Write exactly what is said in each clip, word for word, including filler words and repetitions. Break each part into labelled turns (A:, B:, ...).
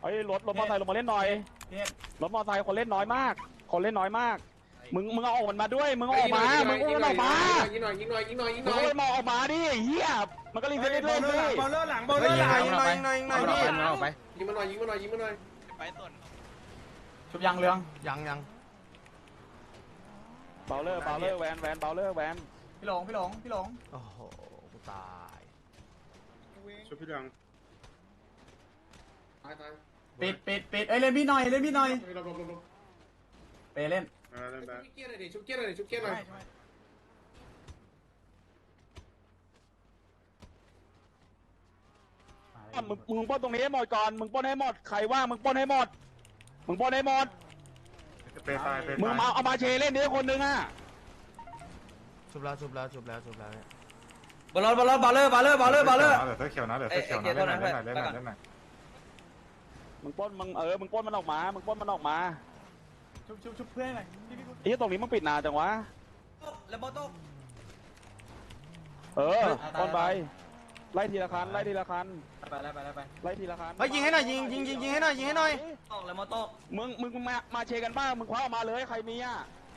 A: เฮ้ยรถรถมอเตอร์ไซค์ลงมาเล่นหน่อยรถมอเตอร์ไซค์คนเล่นน้อยมากคนเล่นน้อยมากมึงมึงเอาออกมันมาด้วยมึงเอาออกมามึงเอามันออกมายิงหน่อยยิงหน่อยยิงหน่อยยิงหน่อยมึงเอามันออกมาดิเฮียมันก็รีเซ็ตได้เลยดิบอลเลอร์หลังบอลเลอร์หลังยิงหน่อยยิงหน่อยยิงหน่อยยิงหน่อยพี่ยิงมาหน่อยยิงมาหน่อยยิงมาหน่อยไปต้นชุบยังเรืองยังยังเบลเลอร์เบลเลอร์แวนแวนเบลเลอร์แวนพี่หลงพี่หลงพี่หลงโอ้โหกูตายชุบพี่เรืองตายตายปิดปิดปิดเอ้ยเล่นพี่หน่อยเล่นพี่หน่อยไปเล่นชุบเกียร์หน่อยดิชุบเกียร์หน่อยดิชุบเกียร์หน่อยมึงมึงป้นตรงนี้ให้หมดก่อนมึงป้นให้หมดใครว่างมึงป้นให้หมดมึงป้นให้หมดมึงมาเอามาเชเล่นดิคนนึงอ่ะชุบแล้วชุบแล้วชุบแล้วชุบแล้วเนี่ยบอลบอลบอลเลอร์บอลเลอร์บอลเลอร์บอลเลอร์เดี๋ยวเสื้อเขียวนะเดี๋ยวเสื้อเขียวนะเล่นหน่อยเล่นหน่อยเล่นหน่อยเล่นหน่อยมึงป้นมึงเออมึงป้นมันออกมามึงป้นมันออกมาชุบชุบชุบเพื่อนหน่อยไอ้ตรงนี้มึงปิดนานจังวะแล้วบอลโต้เออป้นไปไล่ทีละคันไล่ทีละคันไปไล่ไปไล่ไปไล่ทีละคันไปยิงให้หน่อยยิงยิงยิงยิงให้หน่อยยิงให้หน่อยตกแล้วมาตกมึงมึงมามาเชกันบ้างมึงคว้าออกมาเลยใครมีอ่ะ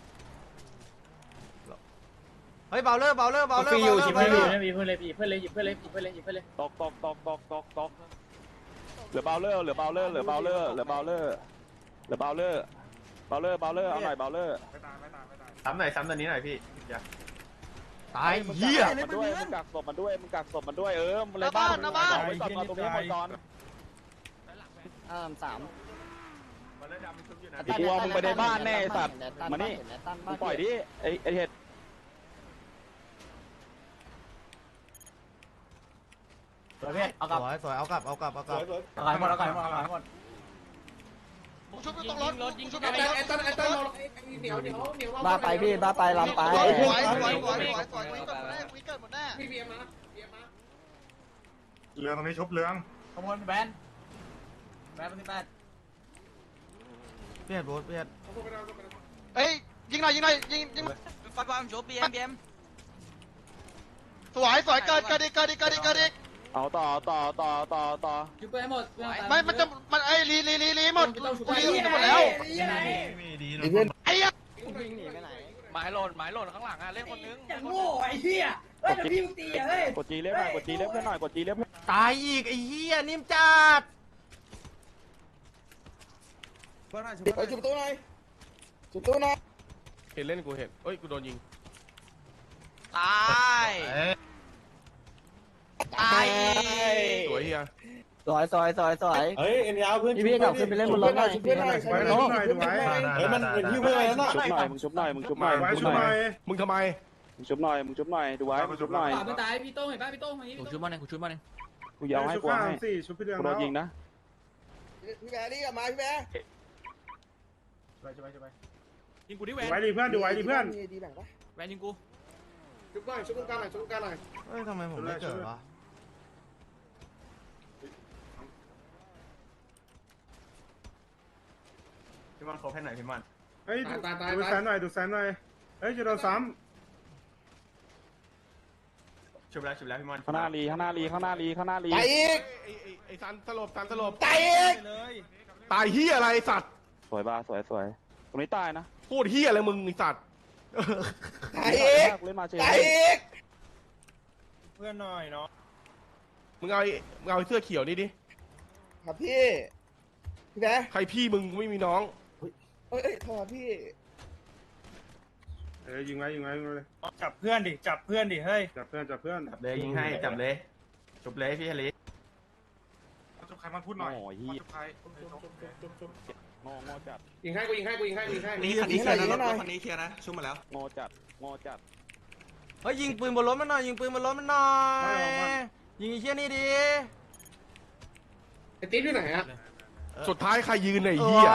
A: เฮ้ยเบาเลอร์เบาเลอร์เบาเลอร์เบาเลอร์เบาเลอร์ไม่มีเพื่อนเลยเพื่อนเลยหยิบเพื่อนเลยหยิบเพื่อนเลยหยิบเพื่อนเลยตกตกตกตกตกตกเหลือเบาเลอร์เหลือเบาเลอร์เหลือเบาเลอร์เหลือเบาเลอร์เหลือเบาเลอร์เบาเลอร์เบาเลอร์เอาหน่อยเบาเลอร์ซ้ำหน่อยซ้ำตัวนี้หน่อยพี่ตายเหี้ยมันด้วยมึงกักศพมันด้วยมึงกักศพมันด้วยเอออะไรบ้านเอาไว้ก่อนมาตรงนี้หมดก่อนเออสามกลัวมึงไปในบ้านแน่สัตว์มานี่มึงปล่อยดิไอไอเห็ดสวยพี่เอากลับสวยสวยเอากลับเอากลับเอากลับเอาหายหมดเอาหายหมดเอาหายหมดชุบอยู่ตรงรถรถยิงชุบไอ้ตันไอ้ตันไอ้ตันเหนียวเหนียวเหนียวบ้าไปพี่บ้าไปลำไปสวยสวยสวยสวยสวยสวยวิกเกิดหมดแน่วิกเกิดหมดแน่พี่เบียร์มาเบียร์มาเรืองตรงนี้ชุบเรืองขโมยแบนแบนเป็นแบนเบียร์โบสเบียร์เอ้ยยิงหน่อยยิงหน่อยยิงยิงฟัดบอลชุบเบียร์เบียร์สวยสวยเกิดเกิดอีกเกิดอีกเกิดอีกเกิดอีกเอาต่อต่อต่อต่อต่อยุบไปหมดไม่มันจะมันไอ้ลีลีลีลีหมดลีหมดแล้วเพื่อนไอ้ยะหมายหล่นหมายหล่นข้างหลังอ่ะเล่นคนนึงอย่างโง่ไอ้เหี้ยเฮ้ยพี่ตีเฮ้ยกดจีเล็บหน่อยกดจีเล็บเพื่อนหน่อยกดจีเล็บตายอีกไอ้เหี้ยนิ่มจัดไปจุดตู้หน่อยจุดตู้หน่อยเห็นเล่นกูเห็นเอ้ยกูโดนยิงตายตายสวยเฮียสวยสวยสวยสวยเฮ้ยเอ็นยาวเพื่อนพี่พี่กลับขึ้นไปเล่นบนรถหน่อยเพื่อนหน่อยไปน้องเฮ้ยมันเป็นที่เพื่อนแล้วนะชุบหน่อยมึงชุบหน่อยมึงชุบหน่อยมึงชุบหน่อยมึงทำไมมึงชุบหน่อยมึงชุบหน่อยดูไว้มึงชุบหน่อยไม่ตายพี่โต้เห็นป่ะพี่โต้กูชุบมันเองกูชุบมันเองกูยาวให้กูให้กูโดนยิงนะพี่แบร์นี่กลับมาพี่แบร์ไปไปไปยิงกูดิแวนไว้ดิเพื่อนดูไว้ดิเพื่อนแวนยิงกูชุบหน่อยชุบกันหน่อยชุบกันหน่อยเฮ้ยทำไมผมไม่เกิดวะพี่มันโคบให้หน่อยพี่มันเฮ้ยดูดูแซนหน่อยดูแซนหน่อยเฮ้ยจะโดนซ้ำชุบแล้วชุบแล้วพี่มันข้างหน้าลีข้างหน้าลีข้างหน้าลีข้างหน้าลีตายอีกไอ้ไอ้ไอ้ซันสลบซันสลบตายอีกตายเฮียอะไรสัตว์สวยบ้าสวยสวยตรงนี้ตายนะพูดเฮียอะไรมึงไอ้สัตว์ตายอีกตายอีกเพื่อนหน่อยเนาะมึงเอามึงเอาเสื้อเขียวนี่ดิครับพี่พี่แบ๊ใครพี่มึงไม่มีน้องเอ้ยโทษพี่เอ้ยยิงไว้ยิงไว้ยิงเลยจับเพื่อนดิจับเพื่อนดิเฮ้ยจับเพื่อนจับเพื่อนจับเลยยิงให้จับเลยจบเลยพี่ฮาริจบใครมาพูดหน่อยจบใครงองอจัดยิงให้กูยิงให้กูยิงให้ยิงให้นี่คันนี้เคลียร์นะรถคันนี้เคลียร์นะชุ่มมาแล้วงอจัดงอจัดเฮ้ยยิงปืนบนรถมันหน่อยยิงปืนบนรถมันหน่อยยิงไอ้เชี่ยนี่ดิไอ้ติ๊ดอยู่ไหนอะสุดท้ายใครยืนไหนเหี้ย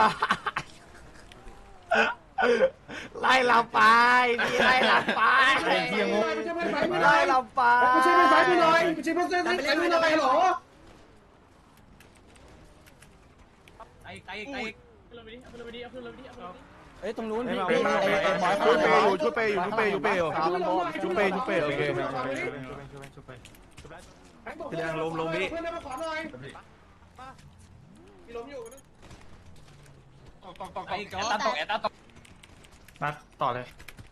A: ไล่เราไปพี่ไล่เราไปเหี้ยงงไล่เราไปไม่ใช่ไม่ใช่พี่หน่อยไม่ใช่ไม่ใช่ไม่ใช่พี่หน่อยหรอไอ้ไอ้ไอ้เอ้ยตรงนู้นพี่ช่วยเปย์อยู่ช่วยเปย์อยู่ช่วยเปย์อยู่เปย์อยู่ช่วยเปย์ช่วยเปย์โอเคพี่แดงลมลมพี่
B: ล้มอยู่นะตกตกตกตก
C: แอตตันตกแอตตันตก
B: นัดต่อเลย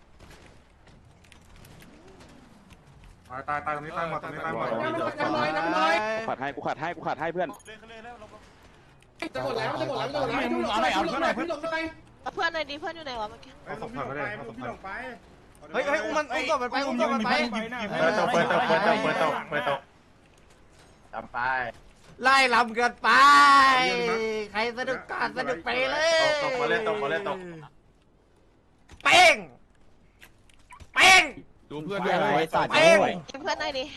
B: ตายตายตายตรงนี้ตายหมดตรงนี้ตายหมดน้ำน้อยน้ำน้อย
D: ขัดให้กูขัดให้กูขัดให้เพื่อน
B: จะหมดแล้วจะหมดแล้วจะหมดแล้วพี่หลงอะไรพี่หลงอะไรพี่หลงอะไร
E: เพื่อนหน่อยดิเพื่อนอยู่ไหนวะเมื่อกี้
B: เอาศพผ่านไปเลยเอาศพผ่านไป
A: เฮ้ยเฮ้ยอุ้มมันอุ้มศพมันไปอุ้มศพมันไป
B: เปิดตกเปิดตกเปิดตกเปิดตกเปิดตก
C: จำไป
A: ไล่ลำกันไป ใครสนุกการสนุกไปเลย
C: ตกมาเล่นตกมาเล่นตก
A: เป้งเป้ง
D: ดูเพื่อนด้วยสัตว์
A: เป้ง
E: ยิงเพื่อนหน่อยดิ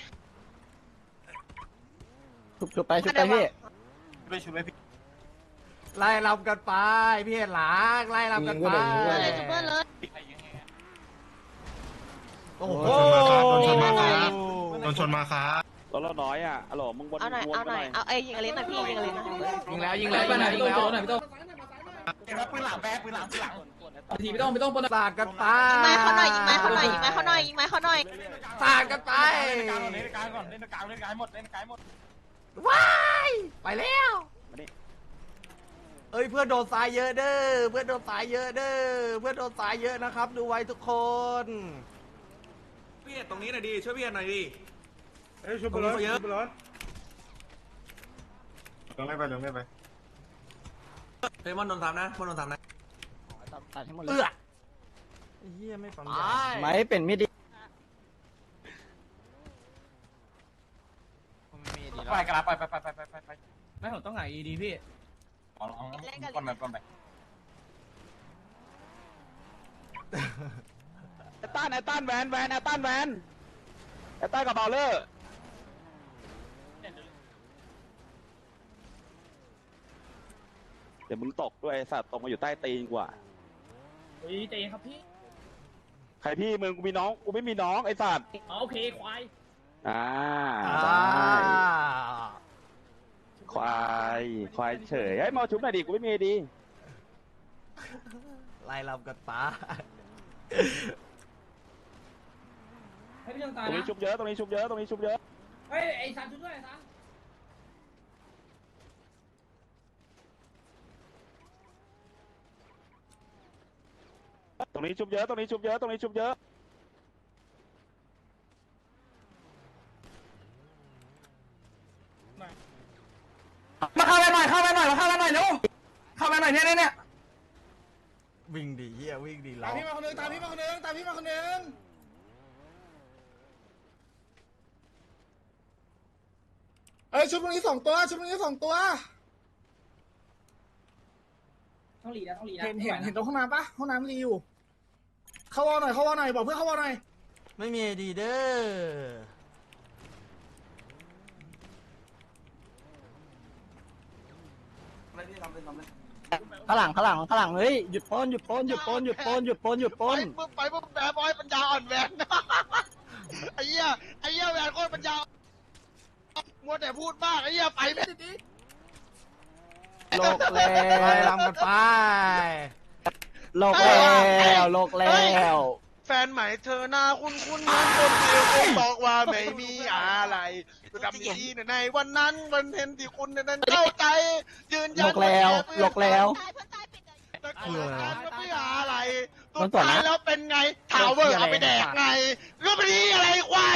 D: ชุบชุบไปชุบไปพี่
C: ไม่ช่วยพี่
A: ไล่ลำกันไปพี่เห็นหลังไล่ลำกันไป
E: เพื่อนเลยเพื่อนเลย
A: โอ้โห
B: โดนชนมาครับโดนชนมาครับ
D: รถเราน้อยอ่ะอ๋อมึงวน
E: เอาหน่อย
D: วน
E: เอา
D: ไป
E: หน่อยเอาเอ้ยยิงอะไรนะพี่ยิงอะไรนะ
A: ยิงแล้วยิงแล้วยิงแล้วยิงแล้ว
C: เก็บปืนหลังแบ๊ปืนหลังปืนหลัง
F: ทีไม่ต้องไม่ต้องปน
A: สาดกันไป
E: ยิงไม้เขาหน่อยยิงไม้เขาหน่อยยิงไม้เขาหน่อยยิงไม้เขาหน่อย
A: สาดกันไป
C: เล่นการก่อนเล่นการก่อนเล่นการเล่นการหมดเล่นการหมด
A: ว้ายไปแล้วเอ้ยเพื่อนโดนสายเยอะเด้อเพื่อนโดนสายเยอะเด้อเพื่อนโดนสายเยอะนะครับดูไว้ทุกคน
G: พี่ตรงนี้หน่อยดิช่วยพี่หน่อยดิ
B: เอ้ยชุบบอลเยอะบอลลงไม่ไปลงไม่ไป
G: เฮ้ยมอนโดนทำนะมอนโดนทำนะ
D: ตัดให้หมดเล
A: เอื้
D: ย
A: อไอ้เหี้ยไม่ปั๊มยา
D: ไม่เป็นไม่ดี
C: ไปกระลาไปไปไปไปไปไปไป
F: ไม่ผมต้องหาอีดีพี่
C: เอาเอาก่อนไปก่อนไป
D: ไอ้ต้านไอ้ต้านแวนแวนไอ้ต้านแวนไอ้ต้านกับเบลเลอร์เดี๋ยวมึงตกด้วยไอ้สัตว์ตกมาอยู่ใต้ตีนกว่า
F: เฮ้ยใจเย็นครับพี่
D: ใครพี่มึงกูมีน้องกูไม่มีน้องไอ้สัตว์
F: อ๋อโอเคควาย
D: อ่า
A: อ่า
D: ได้ควายควายเฉยไอ้ยมาเอาชุบหน่อยดิกูไม่มีดี
A: ไล่ลำกันไป
F: ให้พี่ต้อง
D: ต
F: ตาย
D: รงนี้
F: นะ
D: ชุบเยอะตรงนี้ชุบเยอะตรงนี้ชุบเยอะ
F: เฮ้ยไอ้ซันชุดด้วยไอ้ซัน
D: ตรงนี้ชุบเยอะตรงนี้ชุบเยอะตรงนี้ชุบเยอะ
C: มาเข้าไปหน่อยเข้าไปหน่อยมาเข้าไปหน่อยเร็วเข้าไปหน่อยเนี่ยเนี่ย
A: วิ่งดีเหี้ยวิ่งดี
B: ตา
A: เรา
B: มพี่มาคนนึงตามพี่มาคนนึงตามพี่มาคนนึงเอ้ยชุบตรงนี้สองตัวชุบตรงนี้สองตัว
F: ต้องหลีนะต้องหลีนะ
B: เห็นเห็นเห็นตรงห้องน้ำปะห้องน้ำรีอยู่เข้าวอลหน่อยเข้าวอลหน่อยบอกเพื่อนเข้าวอลหน่อย
A: ไม่มีดีเด้อ
D: ข้างหลังข้างหลังข้างหลังเฮ้ยหยุดปนหยุดปนหยุดปนหยุดปนหยุดปนหยุดปน
H: ปุ๊บไปปุ๊บแบร์บอยปัญญาอ่อนแหวน ไอ้เหี้ยไอ้เหี้ยแหวนโคตรปัญญามัวแต่พูดมากไอ้เหี้ยไปแม่ดิ
D: โลกแล้
A: ไล่
D: ว
A: ลำกันไป
D: โลกแล้วโลกแล้ว
H: แฟนใหม่เธอหน้าคุ้นคุ้นๆเหมือนคนเดียวผมบอกว่าไม่มีอะไรจะทำดีในวันนั้นวันเห็นที่คุณนั้นเข้าใจยืน
D: โล
H: ยัน
D: กแล้วโลกแล้ว
E: ตายเพื่อนตายปิดเลย
H: ตะโกนกันว่าไม่อะไร
D: มั
H: สุ
D: น
H: ด
D: สอน
H: ท้าย
D: นะ
H: แล้วเป็นไงทาวเวอร์เอาไปแดกไงแล้วมันยี่อะไรควาย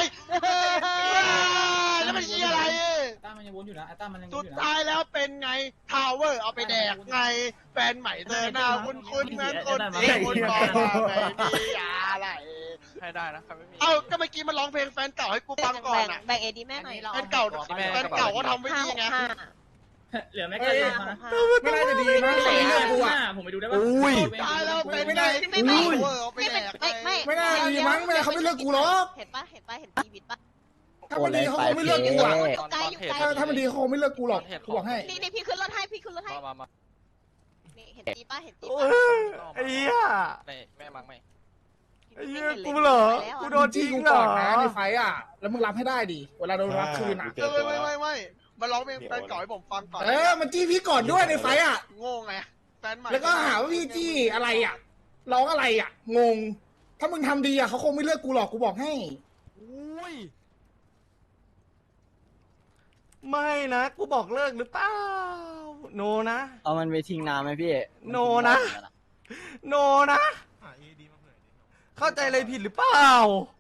H: แล้วมันยี่อะไร
F: ต้ามันยังวนอยู่นะไอ้ต้ามันยังว
H: สุ
F: น
H: ด
F: อยู่นะ
H: ท้ายแล้วเป็นไงทาวเวอร์เอาไปแดกไงแฟนใหม่เธอหน้าคุ้นๆเหมือนคนที่คุณบอกว่าไม่มีอะไรให้ได้นะเอ้าก็เมื่อกี้มันร้องเพลงแฟนเก่าให้กูฟังก่อนอ่ะ
E: แบ่งเอดีแม่หน่อย
H: แฟนเก่าแฟนเก่าก็ทำไว้
E: ห้า
H: ดี
E: หก
H: ไง
E: ห้า
F: เหลือแม็กกาซีนนะ
B: ไม่น่าจะดีมั้งไม่เลือกกูอ่ะ
F: ผมไปดูได้ป่ะ
H: สุดท้ายแล้วเป็นไงทาวเวอร์เอาไป
E: ไม่
H: แด
E: เป็น
H: ก
E: ไม่ไม่
B: ไม่น่าดีมั้งไม่น่าเขาไม่เลือกกูหรอก
E: เห็นปะเห็นปะเห็นทีวิตปะ
B: ถ้ามันดีเขาคงไม่เลือกกูอ่ะ
E: อยู่ไกลอยู่ไกล
B: ถ้าถ้ามันดีเขาคงไม่เลือกกูหรอกกูบอกให้
E: นี่นี่พี่ขึ้นรถให้พี่ขึ้นรถให้นี่เห็นจีปะเห็นจี
A: โอ้
E: ปะ
A: ยไอ้เหี้ย
H: แม่มังไม่
A: ไอ้เหี้ยกูเหรอกูโดน
B: จี้
A: ทิ้ง
B: กู
A: เหร
B: ก่
A: อ
B: อนนะในไฟอ่ะแล้วมึงรับให้ได้ดิเวลาโดนรับคืนอ่ะ
H: ไม่ไม่ไม่ไม่มาร้องเพลงแฟนเก่าให้ผมฟังก่อน
B: เออมันจี้พี่ก่อนด้วยในไฟอ่ะ
H: โง่ไงแฟนใหม่
B: แล้วก็หาว่าพี่จี้อะไรอ่ะร้องอะไรอ่ะงง ถ้ามึงทำดีอ่ะเขาคงไม่เลือกกูหรอกกูบอกให้
A: อุ้ยไม่นะกูบอกเลิกหรือเปล่าโนนะ
D: เอามันไปทิ้งน้ำไหมพี่
A: โนนะ โนนะ เข้าใจอะไรผิดหรือเปล่า